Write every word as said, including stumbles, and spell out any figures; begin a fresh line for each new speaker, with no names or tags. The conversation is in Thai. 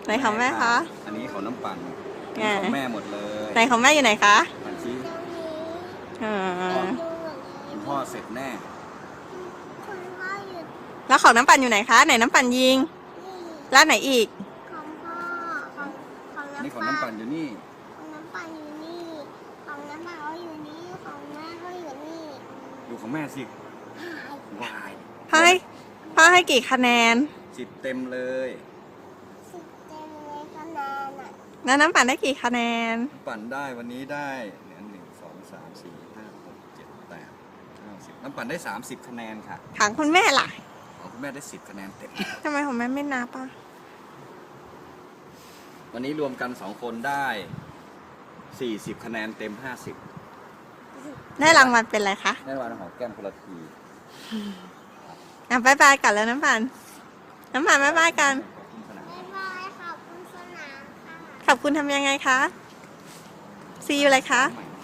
ไหนของแม่คะ
อันนี้ของน้ำปั่น
ไง
ของแม่หมดเลย
ไหนของแม่อยู่ไหนคะ
ปั่นชี้
อ่า
คุณพ่อเสร็จแน่
คุณพ่ออยู่
แล้วของน้ำปั่นอยู่ไหนคะ ไหนน้ำปั่นยิง
นี่
แล้วไหนอีก
ของพ่อของของ
อันนี้
น้ำ
ของน้ำปั่นอยู่นี่
ของน้ำปั่นอยู่นี่ของน้ำปั่นก็อยู่นี่ของแม่ก็อยู่นี่
ดูของแม่สิวาย
พ่อให้พ่อให้กี่คะแนน
สิบเต็มเลย
สิบเต็มเลยคะแนนอ่ะ
แล้วน้ำปั่นได้กี่คะแนน
ปั่นได้วันนี้ได้เนี่ยหนึ่งสองสามสี่ห้าหกเจ็ดแปดเก้าสิบน้ำปั่นได้สามสิบคะแนนค่ะ
ถามคุณแม่ล่ะ
ของคุณแม่ได้สิบคะแนนเต็ม
ทำไมของแม่ไม่นับอ่ะ
วันนี้รวมกันสองคนได้สี่สิบคะแนนเต็มห้าสิบ
ได้รางวัลเป็นอะไรคะ
ได้รางวัลหอมแก้มคนละที
อ่ะบายบายกันแล้วน้ำปั่นน้ำปั่นบายบายกัน
ขอบคุณสนาม
บ๊ายบายขอบคุณสนามค่ะ
ขอบคุณทำยังไงคะ ซีอยู่เลยคะ
ใหม่นะ